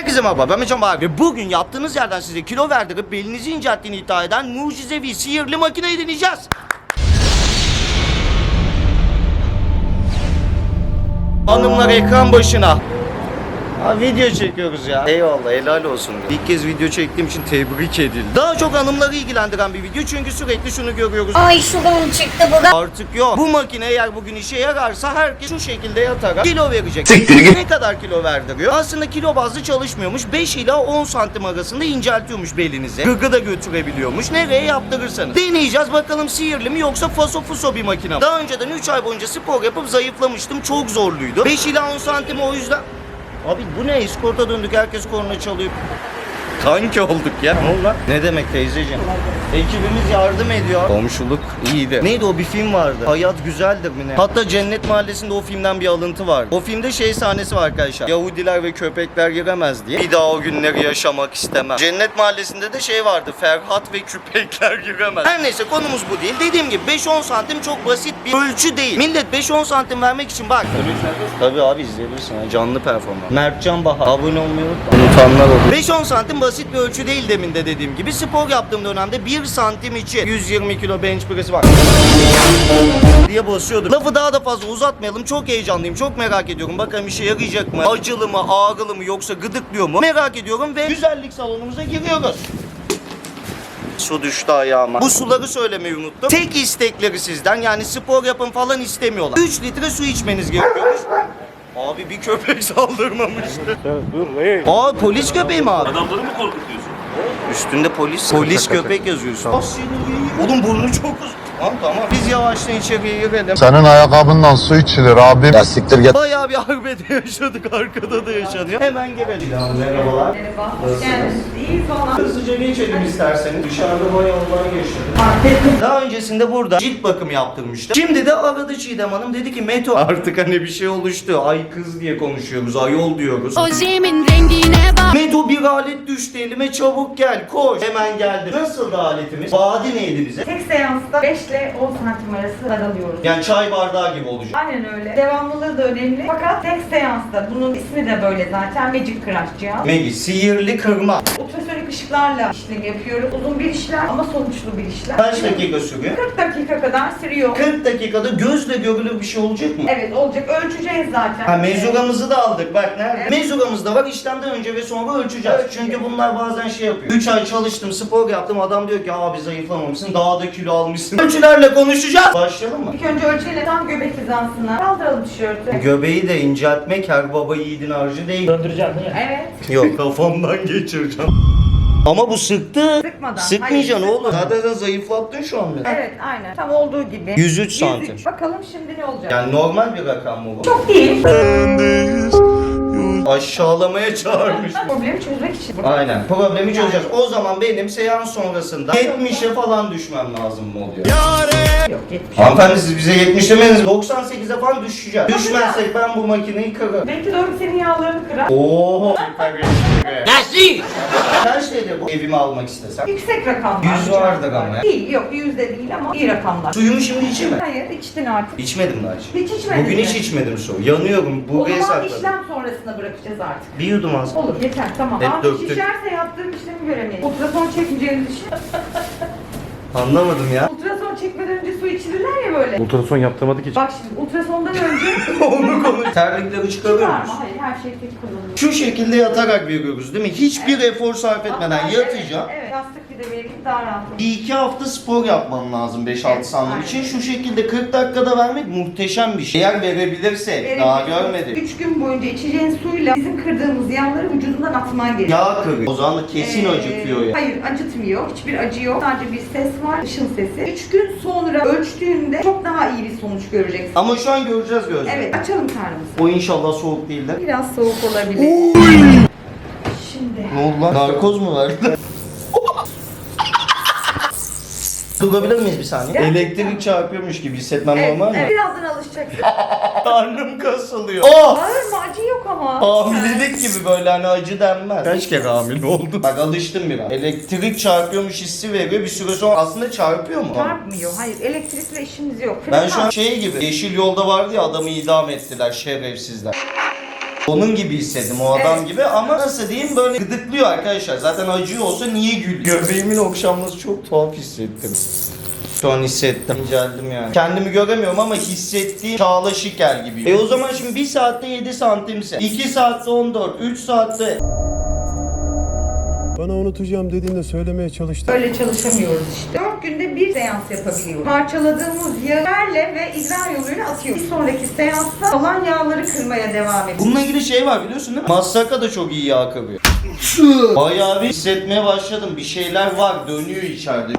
Herkese merhaba, ben Mecan Bahar ve bugün yaptığınız yerden size kilo verdirip belinizi incelttiğini iddia eden mucizevi sihirli makineyi deneyeceğiz. Hanımlar ekran başına. Video çekiyoruz ya. Eyvallah, helal olsun. İlk kez video çektiğim için tebrik edildim. Daha çok hanımları ilgilendiren bir video çünkü sürekli şunu görüyoruz. Ay şuradan çıktı bu da. Artık yok. Bu makine eğer bugün işe yararsa herkes şu şekilde yatarak kilo verecek. Ne kadar kilo verdiriyor? Aslında kilo bazlı çalışmıyormuş. 5 ila 10 santim arasında inceltiyormuş belinize. Gıgı da götürebiliyormuş. Nereye yaptırırsanız. Deneyeceğiz bakalım sihirli mi yoksa faso fuso bir makine mi? Daha önceden 3 ay boyunca spor yapıp zayıflamıştım. Çok zorluydu. 5 ila 10 santim o yüzden... Abi bu ne? İskorta döndük, herkes korna çalıyor. Kanki olduk ya. Ne oldu lan? Ne demek teyzeciğim? Ekibimiz yardım ediyor. Komşuluk iyiydi. Neydi o, bir film vardı. Hayat güzeldir mi ne? Hatta Cennet Mahallesi'nde o filmden bir alıntı var. O filmde şey sahnesi var arkadaşlar. Yahudiler ve köpekler giremez diye. Bir daha o günleri yaşamak istemem. Cennet Mahallesi'nde de şey vardı. Ferhat ve köpekler giremez. Her neyse konumuz bu değil. Dediğim gibi 5-10 santim çok basit bir ölçü değil. Millet 5-10 santim vermek için bak. Tabii abi izleyebilirsin. Yani canlı performans. Mertcan Bahar. Abone olmayı unutma. Unutanlar olur. 5-10 santim basit bir ölçü değil demin de dediğim gibi. Spor yaptığım dönemde 1 santim için 120 kilo bench press'i var diye basıyordum. Lafı daha da fazla uzatmayalım. Çok heyecanlıyım. Çok merak ediyorum. Bakalım işe yarayacak mı? Acılı mı? Ağrılı mı? Yoksa gıdıklıyor mu? Merak ediyorum ve güzellik salonumuza giriyoruz. Su düştü ayağıma. Bu suları söylemeyi unuttum. Tek istekleri sizden, yani spor yapın falan istemiyorlar. 3 litre su içmeniz gerekiyormuş. Abi bir köpek saldırmamıştı. Dur, Aa, polis köpeği mi abi? adamları mı korkutuyorsun? Üstünde polis köpek yazıyor üstünde. Oğlum burnu çok uzun. Tamam. Biz yavaştan içeriye girelim. Senin ayakkabından su içilir abim. Ya siktir git. Bayağı bir arbede yaşadık. Arkada da yaşanıyor. Hemen girelim. Merhabalar. Merhaba. Hoş geldiniz. İyi falan. Hızlıca geçelim isterseniz. Dışarıda bayağı olay geçti. Daha öncesinde burada cilt bakımı yaptırmıştım. Şimdi de aradı Çiğdem Hanım. Dedi ki Meto artık hani bir şey oluştu. Ay kız diye konuşuyoruz. Ayol diyoruz. Ojemin rengine bak. Meto bir alet düştü elime, çabuk gel koş. Hemen geldi. Nasıl da aletimiz? Vaadi neydi bize? Tek seansta 5 ile 10 santim arası daralıyoruz. Yani çay bardağı gibi olacak. Aynen öyle. Devamlılığı da önemli. Fakat tek seansta, bunun ismi de böyle zaten, Magic Crush cihaz. Megi, sihirli kırma. Ultrasonik ışıklarla işlem yapıyoruz. Uzun bir işlem ama sonuçlu bir işlem. Kaç dakika sürüyor? 40 dakika kadar sürüyor. 40 dakikada gözle görülür bir şey olacak mı? Evet olacak. Ölçeceğiz zaten. Ha, mezuramızı da aldık bak nerede? Evet. Mezuramız da var, işlemden önce ve sonra ölçeceğiz. Çünkü bunlar bazen şey yapıyor. 3 ay çalıştım, spor yaptım, adam diyor ki abi zayıflamamışsın, daha da kilo almışsın. Ölçülerle konuşacağız. Başlayalım mı? İlk önce ölçeyle tam göbek hizasına kaldıralım tişörtü. Göbeği de inceltmek her baba yiğidin harcı değil. Döndüreceğim değil mi? Evet. Yok, kafamdan geçireceğim. Ama bu sıktı. Sıkmadan. Sıkmayacaksın Hayır, oğlum. sıkmadan. Zaten sen zayıflattın şu an beni. Evet aynen. Tam olduğu gibi. 103 santim. Bakalım şimdi ne olacak? Yani normal bir rakam mı bu? Çok değil. Aşağılamaya çağırmış. Problemi çözmek için. Aynen. Problemi çözeceğiz. O zaman benim seans sonrasında 70'e falan düşmem lazım mı oluyor? Yok 70. Hanımefendi siz bize 70 demeniz 98'e falan düşeceğiz. Düşmezsek ben bu makineyi kırarım. Belki doğru senin yağlarını kırar. Oho. Nasıl? Kaç dedi bu evime almak istesem? Yüksek rakamlar. 100 vardır ama ya. Değil, yok 100 de değil ama iyi rakamlar. Suyumu şimdi içeyim mi? Hayır, içtin artık. İçmedim daha hiç. Hiç içmedin Bugün mi? hiç içmedim su. Yanıyorum. O Buraya zaman sakladım. işlem sonrasına bırakacağız artık. Bir yudum az. Olur, yeter, tamam. Hep Ama döktük. şişerse yaptığım işlemi göremeyiz. Ultrason çekmeyeceğini düşün. Anlamadım ya. Ultrason çekmeden önce su içirirler ya böyle. Ultrason yaptırmadık hiç. Bak şimdi ultrasondan önce Onu konuş. Terlikleri var çıkarıyor mı? musun? Hayır, her şey tek kullanılıyor. Şu şekilde yatarak veriyoruz değil mi? Hiçbir efor sarf etmeden Hatta yatacağım. Evet, yastık bir de vereyim daha rahat olur. 1-2 hafta spor yapmam lazım 5-6 Evet, santim aynen. için. Şu şekilde 40 dakikada vermek muhteşem bir şey. Eğer verebilirsek, daha görmedik. 3 gün boyunca içeceğin suyla bizim kırdığımız yağları vücudundan atman gerekiyor. Yağ kırıyor. O zaman da kesin acıtıyor ya. Hayır, acıtmıyor. Hiçbir acı yok. Sadece bir ses var, ışın sesi. 3 gün sonra ölçtüğünde çok daha iyi bir sonuç göreceksin. Ama şu an göreceğiz gözle. Evet, açalım karnımızı. O inşallah soğuk değildir. Biraz soğuk olabilir. Şimdi. Ne oldu lan? Narkoz mu verdi? Durabilir miyiz bir saniye? Gerçekten. Elektrik çarpıyormuş gibi hissetmem Evet, normal mi? evet. Birazdan alışacaksın. Karnım kasılıyor. Oh! Bağırma, acı yok ama. Hamilelik gibi böyle hani acı denmez. Kaç kere hamile oldum? Bak alıştım biraz. Elektrik çarpıyormuş hissi veriyor. Bir süre sonra aslında çarpıyor mu? Çarpmıyor. Hayır, elektrikle işimiz yok. Ben şu an şey gibi, Yeşil Yolda vardı ya, adamı idam ettiler şerefsizler. Onun gibi hissettim o adam gibi ama nasıl diyeyim böyle gıdıklıyor arkadaşlar. Zaten acıyor olsa niye gülüyor? Göbeğimin okşanması çok tuhaf hissettim. Şu an hissettim. İnceldim yani. Kendimi göremiyorum ama hissettiğim Çağla Şikel gibi. O zaman şimdi 1 saatte 7 santimse, 2 saatte 14, 3 saatte... Bana unutacağım dediğinde söylemeye çalıştım. Öyle çalışamıyoruz işte. 4 günde bir seans yapabiliyoruz. Parçaladığımız yağlarla ve idrar yoluyla atıyoruz. Bir sonraki seansta kalan yağları kırmaya devam ediyoruz. Bununla ilgili şey var biliyorsun değil mi? Massaka da çok iyi yağ kırıyor. Bayağı bir hissetmeye başladım. Bir şeyler var, dönüyor içeride.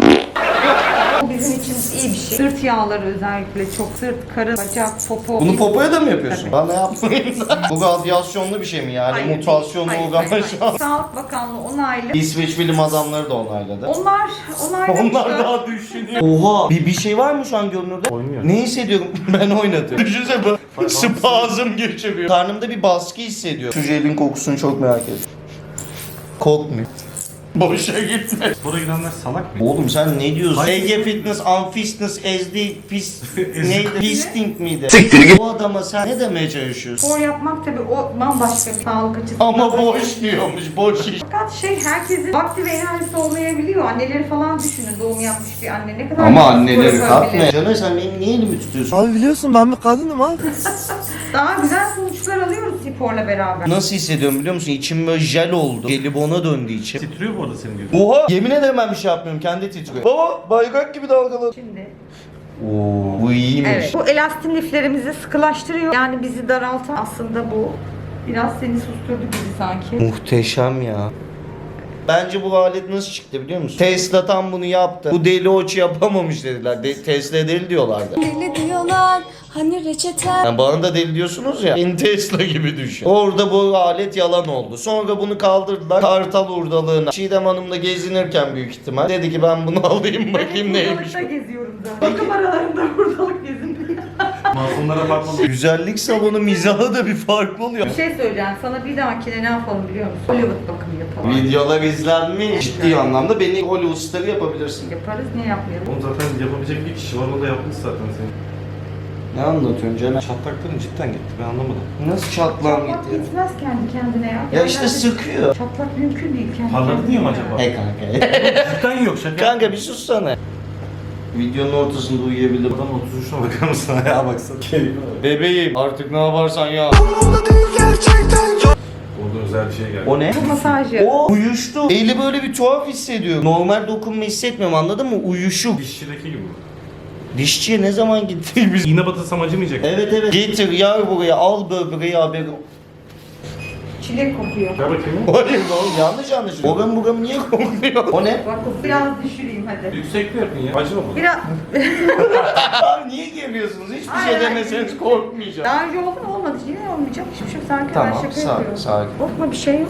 Bu bizim için iyi bir şey. Sırt yağları özellikle çok. Sırt, karın, bacak, popo. Bunu popoya da mı yapıyorsun? Bana yapmayın da. Bu radyasyonlu bir şey mi yani? Hayır, Mutasyonlu hayır, uygulama hayır, şu an. hayır. Sağlık Bakanlığı onaylı. İsveç bilim adamları da onayladı. Onlar Onlar daha düşünüyor. Oha! Bir şey var mı şu an görünürde? Oynuyor. Ne hissediyorum? Ben oynadım. Düşünsene bu spazm geçiriyor. Karnımda bir baskı hissediyorum. Şu jelin kokusunu çok merak ediyorum. Kokmuyor. Boşa gitme. Spora gidenler salak mı? Oğlum sen ne diyorsun? Hayır. Ege Fitness, Unfitness, SD, Pis... neydi? Pisting miydi? Bu adama sen ne demeye çalışıyorsun? spor yapmak tabii o bambaşka bir sağlık açısından. Ama boş diyormuş, boş iş. Fakat herkesin vakti ve enerjisi olmayabiliyor. Anneleri falan düşünün, doğum yapmış bir anne ne kadar... Ama spor anneleri yapabilir. kalkmıyor. Canım sen benim niye elimi tutuyorsun? Abi biliyorsun ben bir kadınım ha. Daha güzel sonuçlar alıyoruz sporla beraber. Nasıl hissediyorum biliyor musun? İçim böyle jel oldu. Jelibona döndü içim. Titriyor bu arada senin gibi. Oha! Yemin ederim ben bir şey yapmıyorum. Kendi titriyor. Baba bayrak gibi dalgalı. Şimdi Oo, bu iyiymiş. evet. Bu elastin liflerimizi sıkılaştırıyor. Yani bizi daraltan aslında bu biraz seni susturdu gibi sanki. Muhteşem ya. Bence bu alet nasıl çıktı biliyor musun? Tesla tam bunu yaptı. Bu deli oç yapamamış dediler. Tesla deli diyorlardı. Deli diyorlar hani reçete. Yani bana da deli diyorsunuz ya. Beni Tesla gibi düşün. Orada bu alet yalan oldu. Sonra bunu kaldırdılar. Kartal hurdalığına. Çiğdem Hanım'la gezinirken büyük ihtimal. Dedi ki ben bunu alayım bakayım neymiş. Hurdalıkta geziyorum zaten. Bakım aralarında hurdalık gezin. Masumlara bakmalı. Güzellik salonu mizahı da bir farklı oluyor. Bir şey söyleyeceğim. Sana bir dahakine ne yapalım biliyor musun? Hollywood bakımı yapalım. Videolar izlenmiş. Ciddi anlamda beni Hollywood starı yapabilirsin. Yaparız, niye yapmayalım? Oğlum zaten yapabilecek bir kişi var, o da yapmış zaten seni. Ne anlatıyorsun canım? Çatlakların cidden gitti, ben anlamadım. Nasıl çatlağım Çatlak gitti gitmez kendi kendine ya. ya? Ya işte sıkıyor. Çatlak mümkün değil kendi Parladı kendine. diye mi acaba? He kanka. Cidden yok şaka. Kanka bir sussana. Videonun ortasında uyuyabilirim. Adam 33'üne bakar mısın ayağa baksana. Bebeğim artık ne yaparsan ya. Orada özel bir şey geldi. O ne? Bu masaj yapıyor. O uyuştu. Eli böyle bir tuhaf hissediyor. Normal dokunma hissetmiyorum anladın mı? Uyuşuk. Dişçideki gibi. Dişçiye ne zaman gittik biz? İğne batırsam acımayacak. Evet evet. Getir yar buraya al böbreği haberi. Çilek kokuyor. Gel bakayım. Hayır oğlum yanlış anlaşılıyor. Oram buram niye kokmuyor? O ne? Bak biraz düşüreyim hadi. Yüksekli yapın ya. Acıma bu. Biraz Abi niye geliyorsunuz? Hiçbir Hayır, şey hayır. demeseniz korkmayacağım. daha önce oldu mu olmadı. Yine olmayacak. Hiçbir şey yok. Sakin Tamam, ben şaka sakin, yapıyorum. sakin. Korkma bir şey yok.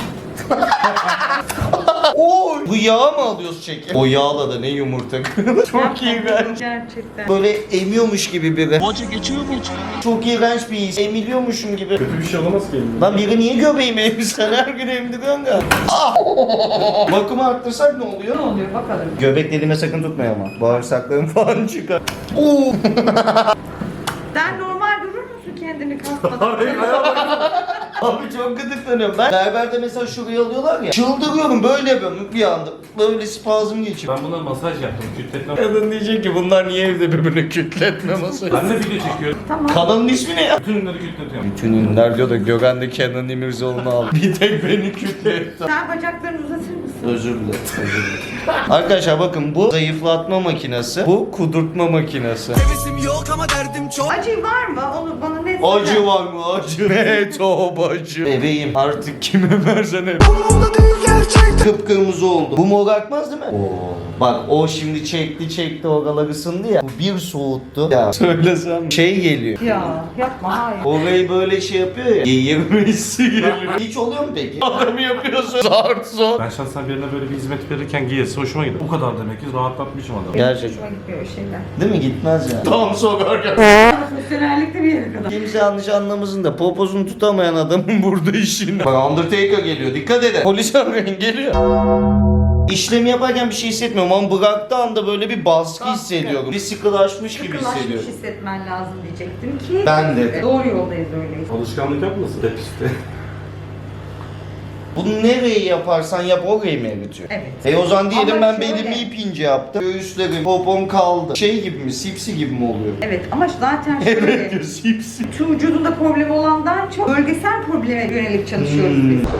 Oy! Bu yağı mı alıyoruz çekim? O yağla da ne yumurta kırılır. Çok iğrenç. Gerçekten. Böyle emiyormuş gibi biri. Hoca geçiyor mu? Çok iğrenç bir his. Emiliyormuşum gibi. Kötü bir şey olamaz ki elimde. Lan biri niye göbeğimi emmiş? Sen her gün emdiriyorsun da. Ah! Bakımı arttırsak ne oluyor? Ne oluyor bakalım. Göbek deliğime sakın tutmayın ama. Bağırsaklarım falan çıkar. Oo! Sen normal durur musun kendini kasmadan? Abi çok gıdıklanıyorum ben. Berberde mesela şurayı alıyorlar ya. Çıldırıyorum böyle yapıyorum bir anda. Böyle spazm geçiyor. Ben buna masaj yaptım. Kütletme. Kadın diyecek ki bunlar niye evde birbirini kütletme masajı. Ben de video çekiyorum. Tamam. Kanalın ismi ne ya? Bütün ünleri kütletiyorum. Bütün ünlüler diyor da Gökhan'da Kenan İmirzalıoğlu'nu al. Bir tek beni kütletti. Sen bacaklarını uzatır mısın? Özür dilerim. Özür dilerim. Arkadaşlar bakın bu zayıflatma makinesi. Bu kudurtma makinesi. Acı var mı? Onu bana net Acı var mı acı? Ne top acı. Bebeğim artık kime versen hep. Kıpkırmızı oldu. Bu mor akmaz değil mi? Oo. Bak o şimdi çekti oralar ısındı ya. Bu bir soğuttu. Ya söylesem şey geliyor. Ya yapma hayır. Orayı böyle şey yapıyor ya. Geğirmesi geliyor. Hiç oluyor mu peki? Adamı yapıyorsun. Zart zor. Ben şahsen birine böyle bir hizmet verirken giyesi hoşuma gidiyor. Bu kadar demek ki rahatlatmışım adamı. Gerçekten. Hoşuma gitmiyor o şeyler. Değil mi? Gitmez ya. Tam sokarken. Profesyonellikte bir yere kadar. Kimse yanlış anlamasın da popozunu tutamayan adamın burada işini. Bak Undertaker geliyor. Dikkat edin. Polis arayın geliyor. İşlemi yaparken bir şey hissetmiyorum ama bıraktığı anda böyle bir baskı hissediyorum. Bir sıkılaşmış gibi Sıkılaşmış hissediyorum. hissetmen lazım diyecektim ki. Ben de. Doğru yoldayız öyleyiz. Alışkanlık yapmasın hep işte. Bunu nereyi yaparsan yap orayı mı eritiyor? Evet. O zaman diyelim Ama ben şöyle- belimi ipince yaptım. Göğüslerim, popom kaldı. Şey gibi mi? Sipsi gibi mi oluyor? Evet ama zaten Evet şöyle. diyor sipsi. Tüm vücudunda problem olandan çok bölgesel probleme yönelik çalışıyoruz biz.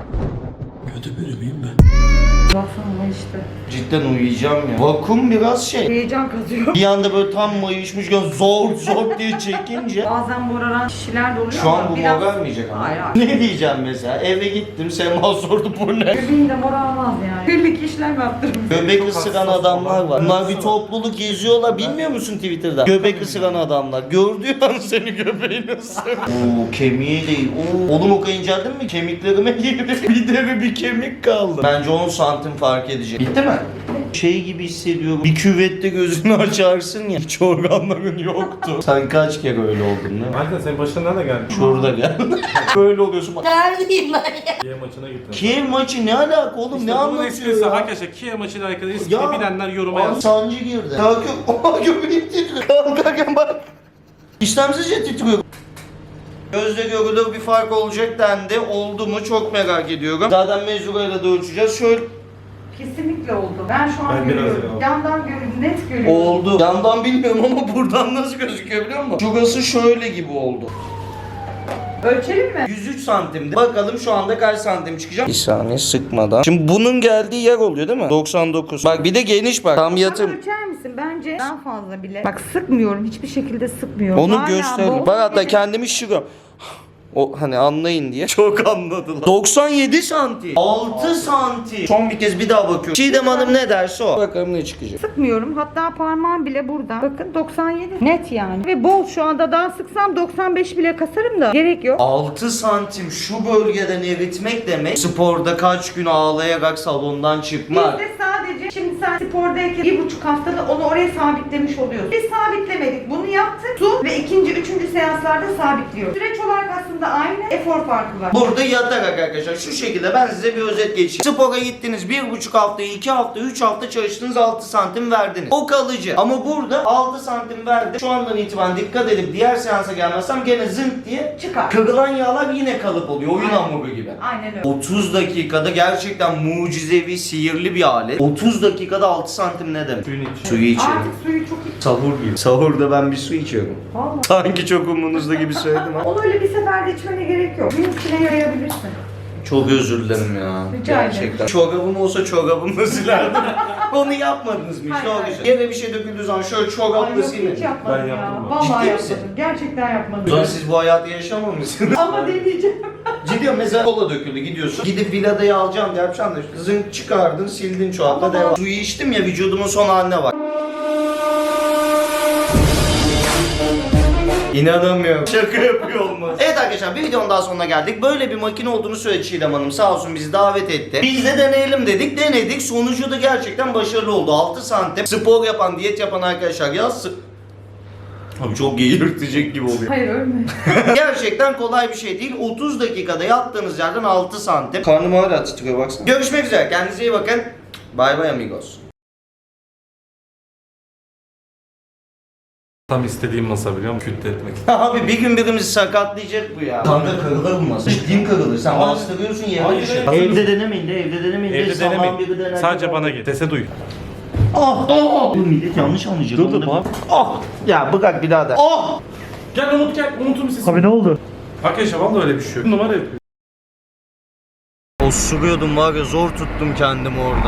Kötü biri miyim ben? Baksana ama işte. Cidden uyuyacağım ya. Vakum biraz şey. Heyecan kazıyor. Bir anda böyle tam mayışmışken zor zor diye çekince. Bazen moraran kişiler de oluyor Şu ama an bu biraz... morarmayacak ama. Hayır hayır. Ne diyeceğim mesela? Eve gittim, Sema sordu bu ne? Göbeğin de morarmaz yani. Birlik işlem yaptırmış. Göbek ısıran adamlar var. Bunlar bir topluluk geziyorlar. Bilmiyor musun Twitter'da? Göbek ısıran adamlar. Gördüğü an seni göbeğini ısırır. Oo kemiği değil. Oo. Oğlum o kadar inceldin mi? Kemiklerime girdi. Bir deri bir kemik kaldı. Bence 10 santim fark edecek. Bitti mi? Şey gibi hissediyorum. Bir küvette gözünü açarsın ya. Hiç organların yoktu. Sen kaç kere öyle oldun değil mi? Aynen senin başına nerede geldi? Şurada gel. Böyle oluyorsun. Kiev maçına gittin. Kiev maçı ne alaka oğlum? İşte Ne bunun anlatıyor esprisi ya? arkadaşlar Kiev maçıyla alakalı Ya, eski bilenler yoruma yazsın. sancı girdi. Kalkıyor. Oha göbeğim titriyor. Kalkarken bak. İşlemsizce titriyor. Gözle görülür bir fark olacak dendi. Oldu mu çok merak ediyorum. Zaten mezurayla da ölçeceğiz. Şöyle Kesinlikle oldu. Ben şu an Ben biraz görüyorum. ya. Yandan görüyorum, net görüyorum. oldu. Yandan bilmiyorum ama buradan nasıl gözüküyor biliyor musun? Şurası şöyle gibi oldu. Ölçelim mi? 103 santimdi. Bakalım şu anda kaç santim çıkacak? Bir saniye sıkmadan. Şimdi bunun geldiği yer oluyor değil mi? 99. Bak bir de geniş bak. Tam Tam yatım. ölçer misin? Bence daha fazla bile. Bak sıkmıyorum. Hiçbir şekilde sıkmıyorum. Onu Hala gösterelim. bol Bak hatta gibi- kendimi şıkıyorum. O hani anlayın diye. Çok anladılar. 97 santim. 6 santim. Son bir kez bir daha bakıyorum. Çiğdem Hanım ne derse o. Bakalım ne çıkacak. Sıkmıyorum. Hatta parmağım bile burada. Bakın 97. Net yani. Ve bol şu anda daha sıksam 95 bile kasarım da. Gerek yok. 6 santim şu bölgeden eritmek demek sporda kaç gün ağlayarak salondan Biz çıkmak. de sadece şimdi sen spordayken 1,5 haftada onu oraya sabitlemiş oluyorsun. Biz sabitlemedik. Bunu yaptık. Su ve ikinci, üçüncü seanslarda sabitliyoruz. Süreç olarak aslında aynı. Efor farkı var. Burada yatarak arkadaşlar şu şekilde ben size bir özet geçeyim. Spora gittiniz 1,5 hafta, 2 hafta, 3 hafta çalıştınız 6 santim verdiniz. O kalıcı. Ama burada 6 santim verdi. Şu andan itibaren dikkat edip diğer seansa gelmezsem gene zınk diye Çıkar. kırılan yağlar yine kalıp oluyor. Oyun Aynen. hamuru gibi. Aynen öyle. 30 dakikada gerçekten mucizevi, sihirli bir alet. 30 dakikada 6 santim ne demek? Suyunu iç. Suyu içelim. Artık suyu çok iyi. Sahur gibi. Sahurda ben bir su içiyorum. Vallahi. Sanki çok umurunuzda gibi söyledim ha. Onu öyle bir seferde içmene gerek yok. Gün içine yayabilirsin. Çok özür dilerim ya. Rica ederim. Gerçekten. Çorabım olsa çorabımla silerdim. Onu yapmadınız mı işte Hayır, o hayır. güzel. Yere bir şey döküldüğü zaman şöyle Ay çorapla yok silin. hiç yapmadım Ben ya. yaptım ben. Vallahi Ciddi misin? yapmadım. Gerçekten yapmadım. O zaman siz bu hayatı yaşamamışsınız. Ama deneyeceğim. Ciddi mesela kola döküldü gidiyorsun. Gidip villadayı alacağım diye yapacaksın da zınk çıkardın sildin çorapla Ama- devam. Suyu içtim ya vücudumun son haline bak. İnanamıyorum. Şaka yapıyor olmaz. Evet arkadaşlar bir videonun daha sonuna geldik. Böyle bir makine olduğunu söyledi Çiğdem Hanım. Sağ olsun bizi davet etti. Biz de deneyelim dedik. Denedik. Sonucu da gerçekten başarılı oldu. 6 santim. Spor yapan, diyet yapan arkadaşlar yazsın. Abi çok geğirtecek gibi oluyor. Hayır ölme. Gerçekten kolay bir şey değil. 30 dakikada yattığınız yerden 6 santim. Karnım hala titriyor baksana. Görüşmek üzere. Kendinize iyi bakın. Bay bay amigos. Tam istediğim masa biliyor musun? Kütle etmek. Abi bir gün birimizi sakatlayacak bu ya. Kanka kırılır mı masa? Ciddiyim kırılır. Sen Hayır. bastırıyorsun yerine Hayır, düşer. hayır. Evde denemeyin de evde denemeyin de. Evde Saman biri denemeyin. dener Sadece gibi. bana git. Sese duy. Ah! Ah! Bu millet yanlış anlayacak. Dur, dur, Onu da- bak. Ah! Ya bırak birader. Ah! Gel Umut gel. Umut'un bir sesi. Abi ne oldu? Arkadaşlar vallahi öyle bir şey yok. Numara yapıyor. Osuruyordum var ya zor tuttum kendimi orada.